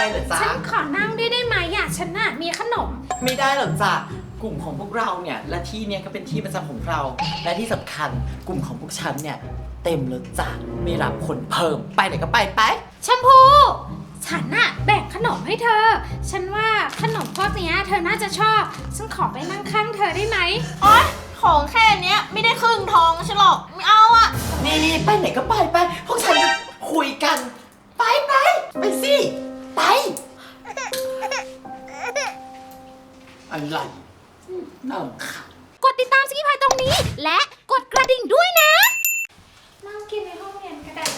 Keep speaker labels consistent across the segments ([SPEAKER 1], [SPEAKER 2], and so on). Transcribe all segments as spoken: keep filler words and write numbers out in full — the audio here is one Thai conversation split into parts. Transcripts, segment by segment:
[SPEAKER 1] เหรอจ๊ะ
[SPEAKER 2] ฉันขอนั่งด้วยได้ไหมอ่ะฉันน่ะมีขนม
[SPEAKER 1] ไม่ได้หรอกจ้ะกลุ่มของพวกเราเนี่ยและที่เนี่ยก็เป็นที่ประจำของเราและที่สำคัญกลุ่มของพวกฉันเนี่ยเต็มแล้วจ้ะไม่รับคนเพิ่มไปไหนก็ไปไป
[SPEAKER 2] แชมพูฉันน่ะแบ่งขนมให้เธอฉันว่าขนมพวกเนี้ยเธอน่าจะชอบฉันขอไปนั่งข้างเธอได้ไหม
[SPEAKER 3] โอ๊ยของแค่เนี้ยไม่ได้ครึ่งท้องฉันหรอกไม่เอาอะ
[SPEAKER 1] นี่นี่ไปไหนก็ไปไปพวกฉันจะคุยกันไปไปไปสิไปอะไรน่ารำคาญ
[SPEAKER 2] กดติดตามสกิพายตรงนี้และกดกระดิ่งด้วยนะนั่งกินในห้องเรียนก็ได้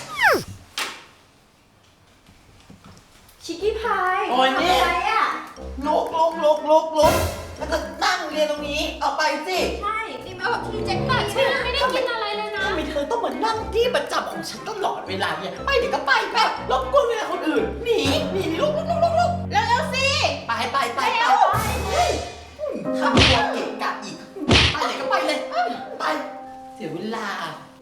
[SPEAKER 3] ชิคกี้พาย
[SPEAKER 1] โอ้ยนี่
[SPEAKER 3] ทำอะไรอ่ะ
[SPEAKER 1] ลุกลุกลุกลุกลุกแล้วก็นั่งเรียนตรงนี้เอาไปสิ
[SPEAKER 3] ใช่นี่มาแบบที่แจ็คตัด
[SPEAKER 2] ฉันไม่ได้กินอะไรเลยนะ
[SPEAKER 1] ทำไมเธอต้องมานั่งที่ประจำของฉันตลอดเวลาเนี่ยไปเดี๋ยวก็ไปแบบรบกวนเวลาคนอื่นหนีหนีหนีลุกลุกลุกลุกลุก
[SPEAKER 3] แล้วแล้วสิ
[SPEAKER 1] ไปไปไปไปทำตัวเกะกะอีกไปไหนก็ไปเลยไปเสียเวลา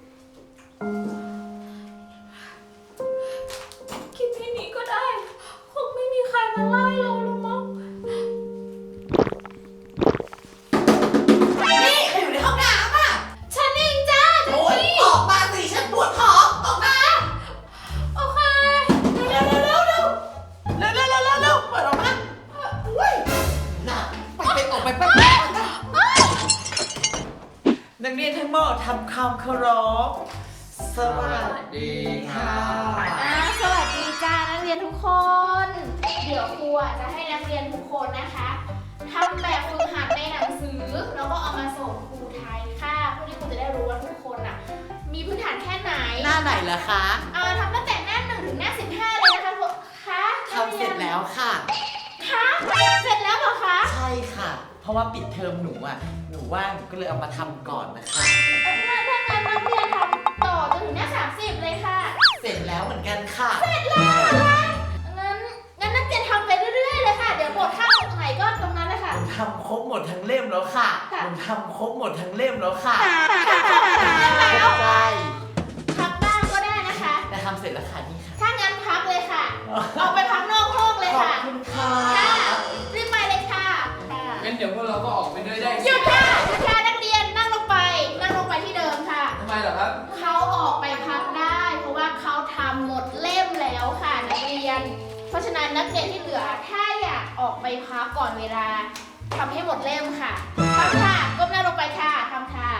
[SPEAKER 2] กินที่นี้ก็ได้คงไม่มีใครมาไล่เราหรอกมั้ง
[SPEAKER 1] นี่ใครอยู่ในห้องน้ำอ่ะ
[SPEAKER 2] ฉันเองจ้า
[SPEAKER 1] โอ๊ยออกมาสิฉันปวดท้องออกมา
[SPEAKER 2] โอเค
[SPEAKER 1] เร็วเร็วเร็วเร็วเร็วเร็วเร็วเร็วเร็วเปิดออกมาอุ้ยน่ะไปไปออกไปไปไปนักเรียนทั้งหมดทำความเคารพสวัสดีค่ะ
[SPEAKER 3] อ่าสวัสดีจ้านักเรียนทุกคน เดี๋ยวครูอ่ะจะให้นักเรียนทุกคนนะคะทำแบบฝึกหัดในหนังสือแล้วก็เอามาส่งครูไทยค่ะเพื่อที่ครูจะได้รู้ว่าทุกคนอ่ะมีพื้นฐานแค่ไหน
[SPEAKER 1] หน้าไหนล่ะคะ
[SPEAKER 3] อ่าทำตั้งแต่หน้าหนึ่งถึงหน้าสิบห้าเลยนะคะพวกคะ
[SPEAKER 1] ทำเสร็จแล้วค่ะ
[SPEAKER 3] คะเสร็จแล้วเหรอคะ
[SPEAKER 1] ใช่ค่ะเพราะว่าปิดเทอมหนูอ่ะหนูว่างหนูก็เลยเอามาทำก่อนนะคะ
[SPEAKER 3] ถ้าถ้างั้นนักเรียนทำต่อจนถึงหน้าสามสิบเลยค่ะ
[SPEAKER 1] เสร็จแล้วเหมือนกันค่ะ
[SPEAKER 3] เสร็จแล้วค่ะงั้นงั้นนักเรียนทำไปเรื่อยๆเลยค่ะเดี๋ยวบทข้างตรงไหนก็ตรงนั้นเลยค่ะ
[SPEAKER 1] หนูทำครบหมดทั้งเล่มแล้วค่ะหนูทำครบหมดทั้งเล่มแล้วค่ะ
[SPEAKER 3] แล้ว
[SPEAKER 1] ใช่
[SPEAKER 3] พักบ้างก็ได้นะคะ
[SPEAKER 1] แต่ทำเสร็จแล้วค่ะนี่ค่ะ
[SPEAKER 3] ถ้างั้นพักเลยค่ะออกไปพักนอกห้องเลยค่ะ
[SPEAKER 1] ขอบคุณค่ะ
[SPEAKER 3] รีบไปเลยค่ะ
[SPEAKER 4] งั้นเดี๋ยวพวกเราก็ออกไปด้วยได้
[SPEAKER 3] หยุดค่ะหยุดค่ะนักเรียนนั่งลงไปนั่งลงไปที่เดิมค่ะ
[SPEAKER 4] ทำไมเหรอครับ
[SPEAKER 3] เขาออกไปพักได้เพราะว่าเขาทำหมดเล่มแล้วค่ะนักเรียนเพราะฉะนั้นนักเรียนที่เหลือถ้าอยากออกไปพักก่อนเวลาทำให้หมดเล่มค่ะทำค่ะก้มหน้าลงไปค่ะทำค่ะ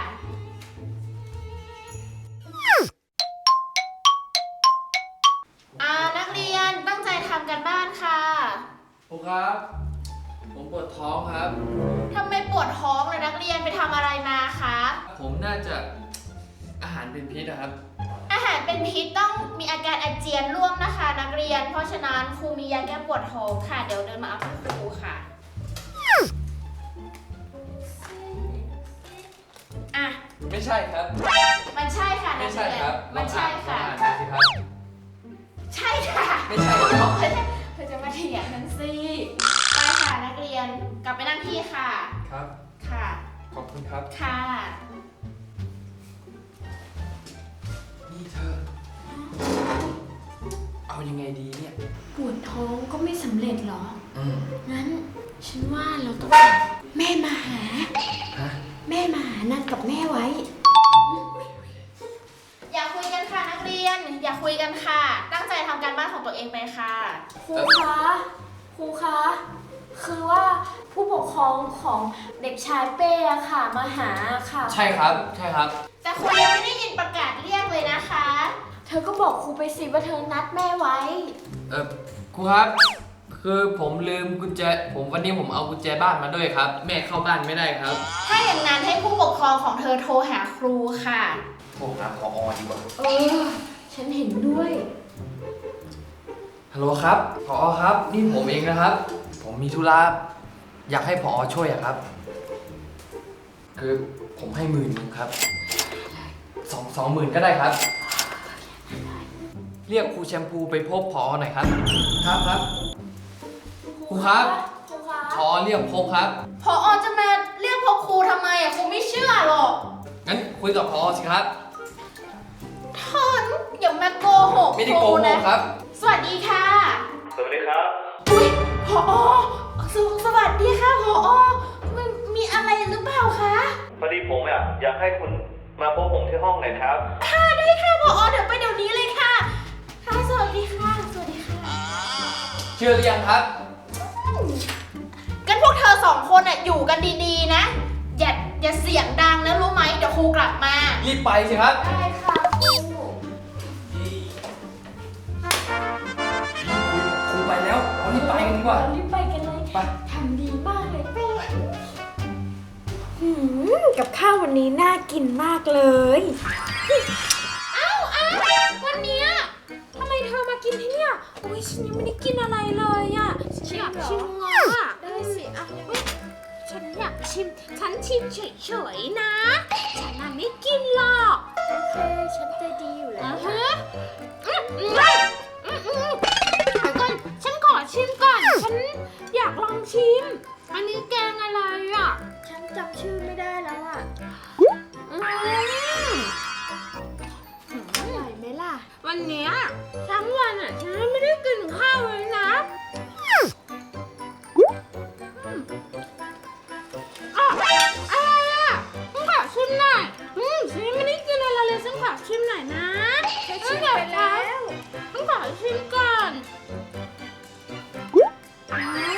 [SPEAKER 3] อ่านักเรียนตั้งใจทำกันบ้านค่ะ
[SPEAKER 4] ครูครับผมปวดท้องครับ
[SPEAKER 3] ทำไมปวดท้องเลยนักเรียนไปทำอะไรมาคะ
[SPEAKER 4] ผมน่าจะอาหารเป็นพิษนะครับ
[SPEAKER 3] อาหารเป็นพิษต้องมีอาการอาเจียนร่วมนะคะนักเรียนเพราะฉะนั้นครูมียาแก้ปวดท้องค่ะเดี๋ยวเดินมาเอาให้ครูค่ะอ่ะ
[SPEAKER 4] ไม่ใช่ครับ
[SPEAKER 3] มันใช่ค่ะ
[SPEAKER 4] ไม่ใช่ครับ
[SPEAKER 3] มันใช่ค่ะใช่ค่ะ
[SPEAKER 4] ไม่ใช่ครับ
[SPEAKER 3] เธอจะมาเถียงกันสิไปค่ะนักเรียนกลับไปนั่งที่ค่ะ
[SPEAKER 4] ครับ
[SPEAKER 3] ค่ะ
[SPEAKER 4] ขอบคุณครับ
[SPEAKER 3] ค่ะ
[SPEAKER 4] นี่เธอเอายังไงดีเนี่ย
[SPEAKER 2] ปวดท้องก็ไม่สำเร็จหรอ
[SPEAKER 4] อืม
[SPEAKER 2] งั้นฉันว่าเราต้องแม่มาหา
[SPEAKER 4] ฮะ
[SPEAKER 2] แม่มาหานัดกับแม่ไว้
[SPEAKER 3] อย่าคุยกันค่ะนักเรียนอย่าคุยกันค่ะตั้งใจทำการบ้านของตัวเองไปค่ะ
[SPEAKER 2] ครูคะครูคะคือว่าผู้ปกครองของเด็กชายเป้อะค่ะมาหาค่ะ
[SPEAKER 4] ใช่ครับใช่ครับ
[SPEAKER 3] แต่ครูยังไม่ได้ยินประกาศเรียกเลยนะคะ
[SPEAKER 2] เธอก็บอกครูไปสิว่าเธอนัดแม่ไว้
[SPEAKER 4] เออครูครับคือผมลืมกุญแจผมวันนี้ผมเอากุญแจบ้านมาด้วยครับแม่เข้าบ้านไม่ได้ครับ
[SPEAKER 3] ถ้าอย่างนั้นให้ผู้ปกครองของเธอโทรหาครูค่ะ
[SPEAKER 4] โทรหาผอ.ดีกว่า
[SPEAKER 2] เออฉันเห็นด้วย
[SPEAKER 4] ฮัลโหลครับผอ.ครับนี่ผมเองนะครับผมมีธุระอยากให้ผอ.ช่วยอะครับคือผมให้หมื่นนึงครับสองสองหมื่นก็ได้ครับเรียกครูแชมพูไปพบผอ.หน่อยครับครับครับครูครับผอ.เรียกพบครับ
[SPEAKER 3] ผอ.จะมาเรียกพบครูทำไมอ่ะครูไม่เชื่อหรอก
[SPEAKER 4] งั้นคุยกับผอ.สิครับ
[SPEAKER 3] ท่านอย่ามาโกหก
[SPEAKER 4] ไม่ได้โกหกครับ
[SPEAKER 3] สวัสดีค่ะ
[SPEAKER 5] สวัสดีครับ
[SPEAKER 3] ผอสวสวัสดีค่ะผอมันมีอะไรหรือเปล่าคะ
[SPEAKER 5] พอดีผมอยากอยากให้คุณมาพบผมที่ห้องหน่อยครับ
[SPEAKER 3] ค่ะได้ค่ะผอเดี๋ยวไปเดี๋ยวนี้เลยค่ะค่ะสวัสดีค่ะสวัสดีค่ะ
[SPEAKER 4] เชื่อหรือยังครับ
[SPEAKER 3] กันพวกเธอสองคนอ่ะอยู่กันดีๆนะอย่าอย่าเสียงดังนะรู้ไหมเดี๋ยวครูกลับมา
[SPEAKER 4] รีบไปสิครับ
[SPEAKER 3] ได้ค่ะครู
[SPEAKER 4] ครูไปแล้วเอารีบไปกันดีกว่า
[SPEAKER 2] รีบไปกันเลย
[SPEAKER 4] ไป
[SPEAKER 2] ทำดีมากเลยเป้หืมกับข้าววันนี้น่ากินมากเลย เอ้าอ้าววันเนี้ยทำไมเธอมากินที่เนี่ยโอ้ยฉันยังไม่ได้กินอะไรเลยอ่ะฉันอยากชิมอ่ะได้สิอ่ะเฮ้ยฉันอยากชิม ฉันชิมเฉยๆนะ ฉันน่ะไม่กินหรอกโอเคฉันใจดีอยู่แล้วฮะอืมอืมอืมอืมเดี๋ยวก่อนฉันขอชิมก่อน ฉันอยากลองชิม อันนี้แกงอะไรอ่ะ ฉันจำชื่อไม่ได้แล้วอ่ะอืมอร่อยไหมล่ะ วันเนี้ยทั้งวันอ่ะ ฉันไม่ได้กินข้าวเลยนะอืมอ่ะอะไรอ่ะฉันขอชิมหน่อยอืมฉันไม่ได้กินอะไรเลยฉันขอชิมหน่อยนะฉันชิมไปแล้วฉันขอชิมก่อนอืม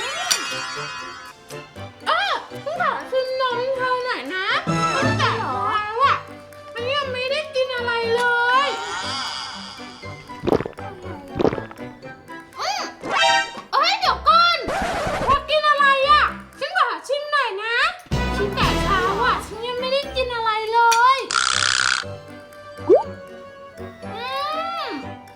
[SPEAKER 2] เออฉันขอชิมนมเธอหน่อยนะตั้งแต่เช้าอ่ะฉันยังไม่ได้กินอะไรเลยอืมเอ้ยเดี๋ยวก่อนเธอกินอะไรอ่ะฉันขอชิมหน่อยนะชิมแต่เช้าอ่ะฉันยังไม่ได้กินอะไรเลยอืม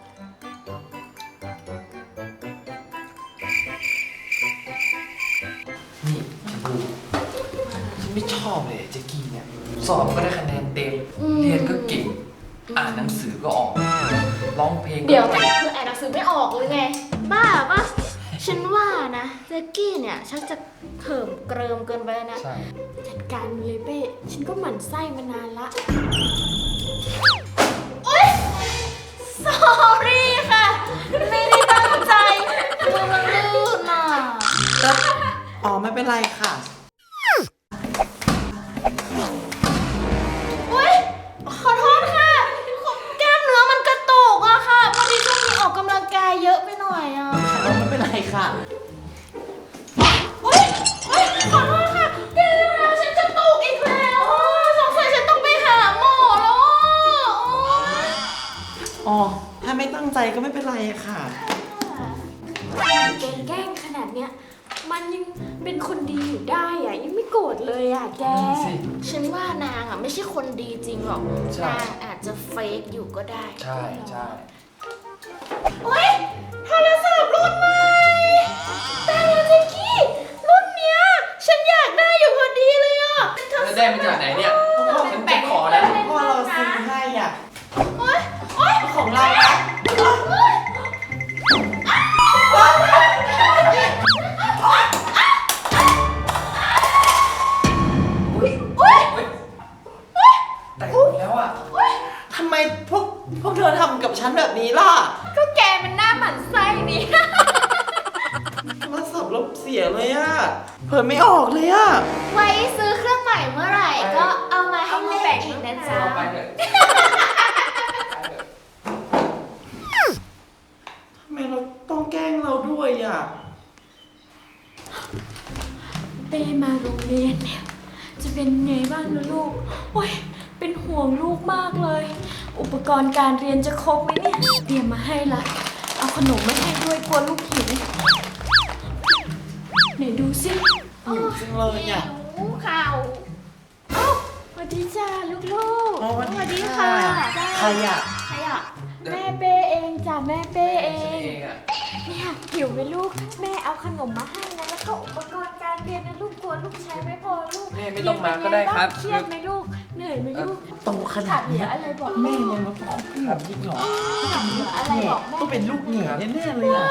[SPEAKER 4] นี่ชมพูฉันไม่ชอบเลยเจ๊กี้เนี่ย สอบก็ได้คะแนนเต็ม เรียนก็เก่ง อ่านหนังสือก็ออก ร้องเพลงก็
[SPEAKER 3] เดี๋ยว
[SPEAKER 4] เก่ง
[SPEAKER 3] เธออ่านหนังสือไม่ออกหรือไง บ้าปะฉันว่านะเจกกี้เนี่ยชักจะเขิมเกริมเกินไปแล้วนะ
[SPEAKER 4] ใช่
[SPEAKER 2] จัดการมันเลยเป้ ฉันก็หมั่นไส้มานานละ
[SPEAKER 3] โอ๊ย sorry ค่ะ ไม่ได้ตั้งใจมือมันลื่นอ่ะ
[SPEAKER 1] อ๋อไม่เป็นไรค่ะ
[SPEAKER 3] อุ๊ย ขอโทษค่ะกล้ามเนื้อมันกระตุกอะค่ะพอดีช่วงนี้ออกกำลังกายเยอะไปหน่อยอะ
[SPEAKER 1] อ๋อไม่เป็นไรค่ะ
[SPEAKER 3] อุ๊ยอุ๊ยขอโทษค่ะแกแล้วฉันกระตุกอีกแล้วอะสงสัยฉันต้องไปหาหมอแล้วอะโอ๊ย
[SPEAKER 1] อ๋อ ถ้าไม่ตั้งใจก็ไม่เป็นไรค่ะ
[SPEAKER 2] แกแกล้งขนาดเนี้ย มันยังเป็นคนดีอยู่ได้อะยังไม่โกรธเลยอะแก
[SPEAKER 4] นั่นสิ
[SPEAKER 3] ฉันว่านางอะไม่ใช่คนดีจริงหรอก
[SPEAKER 4] ใช่
[SPEAKER 3] นางอาจจะเฟกอยู่ก็ได้
[SPEAKER 4] ใช่ใช่
[SPEAKER 3] โอ๊ยโทรศัพท์รุ่นใหม่แต่แล้วเจ๊กี้รุ่นเนี้ยฉันอยากได้อยู่พอดีเลยอ่ะ
[SPEAKER 4] แล้วได้มาจากไหนเนี่ยฉันจะขอแล้ว
[SPEAKER 1] พ่อเราซื้อให้อ่ะ
[SPEAKER 3] โอ๊ยโอ๊ย
[SPEAKER 1] ของเรานะ
[SPEAKER 3] อุ๊ย
[SPEAKER 4] แต่งหมดแล้วอ่ะ
[SPEAKER 1] ทำไมพวกพวกเธอทำกับฉันแบบนี้ล่ะ
[SPEAKER 3] ก็แกมันหน้าหมันไส้นี่
[SPEAKER 1] โทรศัพท์ลบเสียเลยอ่ะ เปิดไม่ออกเลยอ่ะ
[SPEAKER 3] ไว้ซื้อเครื่องใหม่เมื่อไหร่ก็เอามาให้เล่นอีกนะจ๊ะ
[SPEAKER 4] เอาไปเถอะ
[SPEAKER 1] ทำไมเราต้องแกล้งเราด้วยอ่ะ
[SPEAKER 2] เป้มาโรงเรียนเนี่ยจะเป็นไงบ้างนะลูก โอ้ย เป็นห่วงลูกมากเลย อุปกรณ์การเรียนจะครบไหมเนี่ย เตรียมมาให้ละ เอาขนมมาให้ด้วยกลัวลูกหิวไหนดูสิ
[SPEAKER 1] หิวจังเลยอ่ะ
[SPEAKER 3] หิวข่าว
[SPEAKER 2] เอ้าสวัสดีจ้าลูก
[SPEAKER 1] อ๋อ
[SPEAKER 3] สวัสดีค่ะ
[SPEAKER 1] ใครอ่ะ
[SPEAKER 3] ใครอ่ะ
[SPEAKER 2] ๆ แม่เป้เองจ้ะแม่เป้เอ
[SPEAKER 4] ฉัน
[SPEAKER 2] ง
[SPEAKER 4] เองอ่ะ
[SPEAKER 2] เนี่ยหิวไหมลูก แม่เอาขนมมาให้นะ แล้วก็อุปกรณ์การเรียนนะลูกกลัวลูกใช้ไม่พอลูก
[SPEAKER 4] แม่ไม่ต้องมาก็ได้ครับ
[SPEAKER 2] เครียดไหมลูก เหนื่อยไหมลูก
[SPEAKER 1] โตขนา
[SPEAKER 2] ขา
[SPEAKER 1] ด
[SPEAKER 2] ดเหลื
[SPEAKER 1] เนี้
[SPEAKER 2] อย อะไรบอก
[SPEAKER 1] แม่ยังมาบอกพี่แบบนี้เหรอ
[SPEAKER 2] ขาดเหลืออะไร
[SPEAKER 1] แง่
[SPEAKER 2] บอกแม่
[SPEAKER 1] ต้องเป็นลูกแง่แน่ๆเลยอ่ะ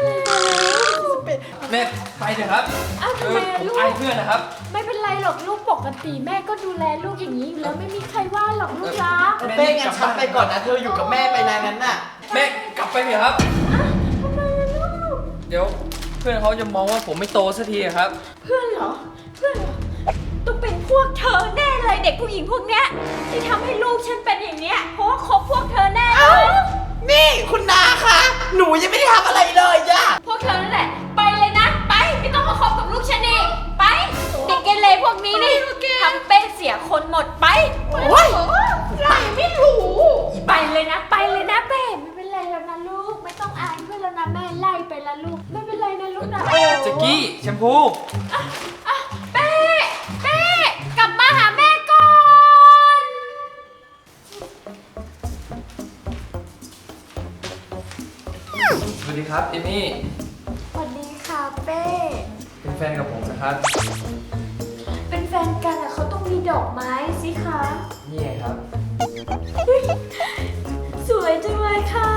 [SPEAKER 4] แม่ไปเถอะครับ
[SPEAKER 2] อ้าว
[SPEAKER 4] เอ
[SPEAKER 2] ทำไม
[SPEAKER 4] อ
[SPEAKER 2] อะ
[SPEAKER 4] ผม
[SPEAKER 2] ลูก
[SPEAKER 4] อายเพื่อนนะครับ
[SPEAKER 2] ไม่เป็นไรหรอกลูกปกติแม่ก็ดูแลลูกอย่างนี้อยู่แล้วไม่มีใครว่าหรอกลูกรัก
[SPEAKER 1] เป้งั้นฉันไปก่อนนะ เธออยู่กับแม่ไปนานนั้นน่ะ
[SPEAKER 4] แม่กลับไปเถอะครับ
[SPEAKER 2] ทำไมอะลูก
[SPEAKER 4] เดี๋ยวเพื่อนเขาจะมองว่าผมไม่โตสักทีอะครับ
[SPEAKER 2] เพื่อนเหรอ เพื่อนเหรอ ต้องเป็นพวกเธอแน่เลยเด็กผู้หญิงพวกเนี้ยที่ทำให้ลูกฉันเป็นอย่างเนี้ย เพราะว่าคบพวกเธอแน่เลย
[SPEAKER 1] นี่คุณนาคะ หนูยังไม่ได้ทำอะไรเลยอะ
[SPEAKER 2] พวกเธอนั่นแหละ ไปเลยนะ ไป ไม่ต้องมาคบกับลูกฉันอีกไป เด็กเกเรพวกนี้นี่ทำเป็นเสียคนหมดไป
[SPEAKER 1] โอ้ย
[SPEAKER 2] ไรไม่รู้ไปเลยนะ ไปเลยนะเป้ไม่เป็นไรแล้วนะลูก ไม่ต้องอายเพื่อนแล้วนะแม่ไล่ไปละลูก ไม่เป็นไรนะลูกนะ
[SPEAKER 4] แจ็กกี้แชมพู
[SPEAKER 2] อ่ะเป้เป้กลับมาหาแม่ก่อน
[SPEAKER 4] สวัสดีครับเอมี่
[SPEAKER 2] สวัสดีค่ะเป้
[SPEAKER 4] เป็นแฟนกับผมนะครับ
[SPEAKER 2] เป็นแฟนกันอะเขาต้องมีดอกไม้สิคะ
[SPEAKER 4] นี่ไงครับ
[SPEAKER 2] สวยจังเลยค่ะ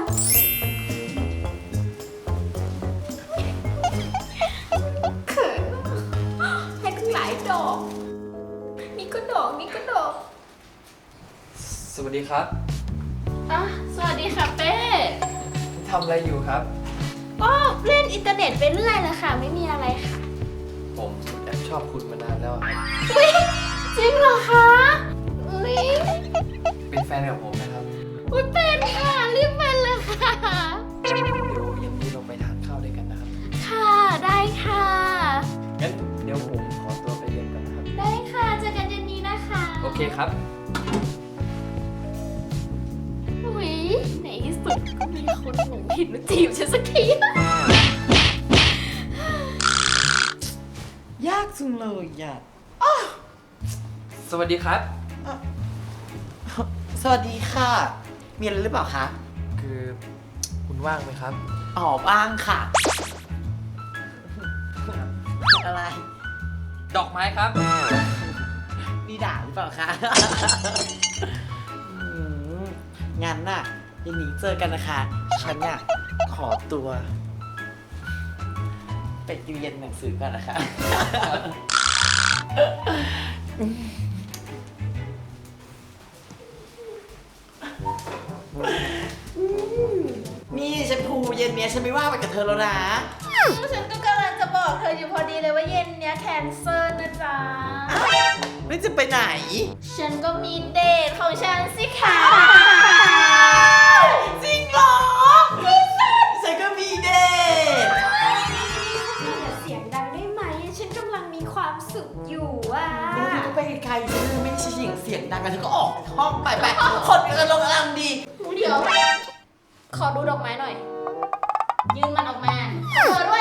[SPEAKER 2] เขินให้ตั้งหลายดอก นี่ก็ดอก นี่ก็ดอก
[SPEAKER 4] สวัสดีครับ
[SPEAKER 3] อ่ะสวัสดีค่ะเป้
[SPEAKER 4] ทำอะไรอยู่ครับ
[SPEAKER 3] ก็เล่นอินเทอร์เน็ตไปเรื่อยเลยค่ะ ไม่มีอะไรค่ะ
[SPEAKER 4] ผมแอบชอบคุณมานานแล้วครับ
[SPEAKER 3] อุ๊ยจริงเหรอคะอุ๊ย
[SPEAKER 4] เป็นแฟนกับผมนะครับ
[SPEAKER 3] อุ๊ยเป็นค่ะรีบเป็นเลยค่ะ
[SPEAKER 4] เดี๋ยวเย็นนี้เราไปทานข้าวด้วยกันนะครับ
[SPEAKER 3] ค่ะได้ค่ะ
[SPEAKER 4] งั้นเดี๋ยวผมขอตัวไปเรียนก่อนนะครับ
[SPEAKER 3] ได้ค่ะเจอกันเย็นนี้นะคะ
[SPEAKER 4] โอเคครับ
[SPEAKER 3] อุ๊ยในที่สุดก็มีคนหลงผิดมาจีบฉันสักที
[SPEAKER 1] ยากจังเลยอะ
[SPEAKER 4] สวัสดีครับ
[SPEAKER 1] สวัสดีค่ะ มีอะไรหรือเปล่าคะ
[SPEAKER 4] คือคุณว่างไหมครับ
[SPEAKER 1] อ๋อบ้างค่ะ อะไร
[SPEAKER 4] ดอกไม้ครับ
[SPEAKER 1] นี่ด่าหรือเปล่าคะ อืมงั้นน่ะยันนี้เจอกันนะคะ ฉันเนี่ยขอตัว ไปดูเย็นหนังสือก่อนนะคะ นี่ฉันพูเย็นเนี้ยฉันไม่ว่าไปกับเธอแล้วนะ
[SPEAKER 3] ฉันก็กำลังจะบอกเธออยู่พอดีเลยว่าเย็นเนี้ยแคนเซิลนะจ๊ะ
[SPEAKER 1] ไม่จะไปไหน
[SPEAKER 3] ฉันก็มีเดทของฉันสิคะ
[SPEAKER 1] จริงเหรอฉันก็มีเดท
[SPEAKER 2] อย่าเสียงดังได้ไหม ฉันกำลังมีความสุขอยู่อ่ะ
[SPEAKER 1] เธอก็ไปไกลๆฉันไม่ใช่เสียงเสียงดังกันเธอก็ออกห้องไปไปคนกำลังกำลังดี
[SPEAKER 3] เดี๋ยว ขอดูดอกไม้หน่อย ยืนมันออกมาขอเธอด้วย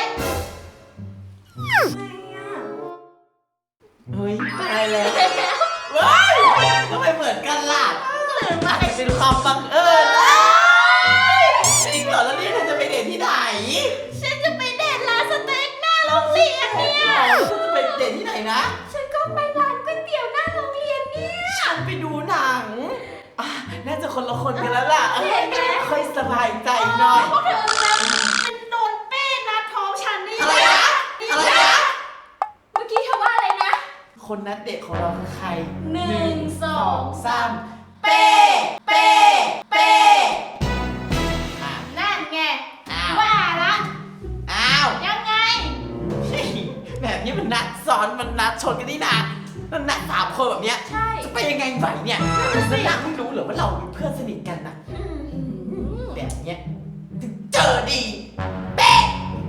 [SPEAKER 1] เฮ้ยตายแล้วว้ายทำไมเหมือนกันล่ะมันเป็นความบังเอิญจริงเหรอแล้วนี่เธอจะไปเดทที่ไหน
[SPEAKER 3] ฉันจะไปเดทร้านสเต็กหน้าโรงเรียนเนี่ย
[SPEAKER 1] เธอจะไปเดทที่ไหนนะ
[SPEAKER 2] ฉันก็ไปร้านก๋วยเตี๋ยวหน้าโรงเรียนเนี่ย
[SPEAKER 1] ฉันไปดูหนังอ่ะน่าจะคนละคนกันแล้วล่ะค่อยสบายใจหน่อย
[SPEAKER 3] พวกเธอนะเป็นโดนเป้นัดท้องฉันนี่
[SPEAKER 1] อะไรนะ อะไรนะ
[SPEAKER 2] เมื่อกี้เธอว่าอะไรนะ
[SPEAKER 1] คนนัดเดทของเราคือใคร
[SPEAKER 3] หนึ่งสอง
[SPEAKER 1] สามเป้เป้เป้อ่ะ
[SPEAKER 3] นั่นไง
[SPEAKER 1] อ้าว
[SPEAKER 3] ว่าละ
[SPEAKER 1] อ้าว
[SPEAKER 3] ยังไง
[SPEAKER 1] แบบนี้มันนัดซ้อนมันนัดชนกันนี่นะมันนัดสามคนแบบเนี้ย
[SPEAKER 2] ใช่
[SPEAKER 1] จะไปยังไงไหวเนี่ยแล้วนางไม่รู้เหรอว่าเราเป็นเพื่อนสนิทกันนะแบบเนี้ยถึงเจอดีเป๊ะ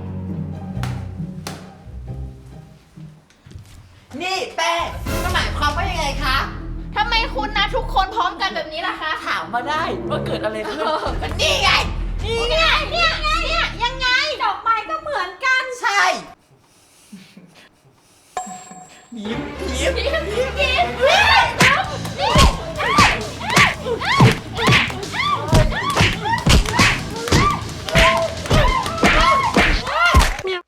[SPEAKER 1] นี่แป้งมันหมายความว่ายังไงคะ
[SPEAKER 3] ทำไมคุณนะทุกคนพร้อมกันแบบนี้ล่ะคะ
[SPEAKER 1] ถามมาได้ว่าเกิดอะไรขึ้น
[SPEAKER 3] เออ
[SPEAKER 1] ก็นี่ไง
[SPEAKER 3] นี่ไงเนี่ยเนี่ยยังไง
[SPEAKER 2] ดอกไม้ก็เหมือนกัน
[SPEAKER 1] ใช่ยิ้มยิ้มยิ้มยิ้ม